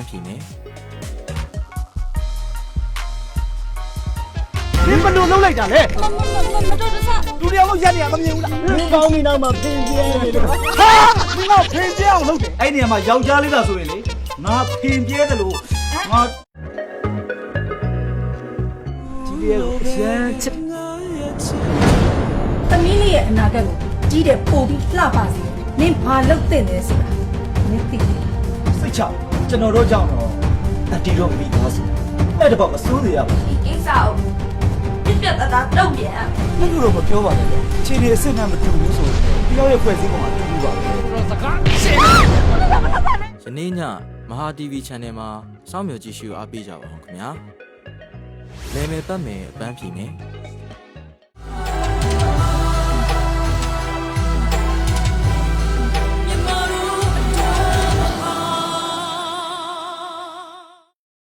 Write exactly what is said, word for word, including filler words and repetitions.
န်းဖြေမယ်你们都弄来着嘞？ မမမမတော်တဆလူတယောက်လုံးရက်နေရမမြင်ဘူးလားမင်းကောင်းပြီနောက်မှဖင်ပြဲနေလို့ဟာမင်းကဖင်ပြအောင်လုပ်တယ်အဲ့ဒီနေရာမှာယောက်ျားလေးလားဆိုရင်လေငါဖင်ပြဲတယ်လို့ငါဒီလေးကိုရမ်းချစ်သမီးလေးရဲ့အနာဂတ်ကိုကြီးတဲ့ပို့ပြီးလှပါစေနင်ဘာလုပ်တဲ့လဲဆိုတာနင်သိတယ်စိတ်ချကျွန်တော်တို့ကြောင့်တော့အတီတော့မိသားစုအဲ့တပေါ့မစိုးစေရဘူးဒီကိစ္စကိုပြပြတသားတုံ့ပြန်အဲ့လိုတော့မပြောပါနဲ့လေခြေနေအစ်စ်နဲ့မတူဘူးဆိုတယောက်ရဲ့ဖွဲ့စည်းပုံမှာတူဘူးပါပဲယနေ့ညမဟာ တီဗီ channel မှာစောင့်မျှော်ကြည့်ရှုအားပေးကြပါဦးခင်ဗျာလဲမယ်ပတ်မယ်အပန်းဖြေမယ်